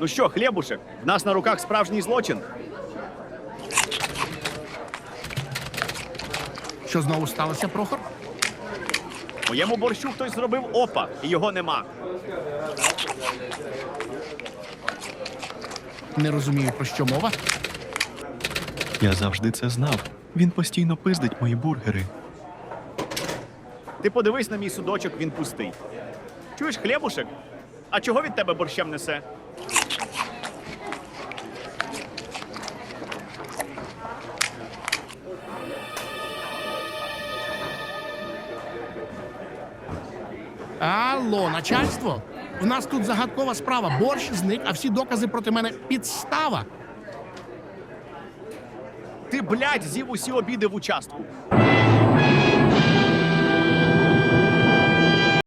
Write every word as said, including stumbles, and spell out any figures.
Ну що, Хлєбушек, в нас на руках справжній злочин. Що знову сталося, Прохор? Моєму борщу хтось зробив опа, і його нема. Не розумію, про що мова. Я завжди це знав. Він постійно пиздить мої бургери. Ти подивись на мій судочок, він пустий. Чуєш, Хлєбушек? А чого від тебе борщем несе? Алло, начальство? У нас тут загадкова справа. Борщ зник, а всі докази проти мене підстава. Ти, блядь, з'їв усі обіди в участку.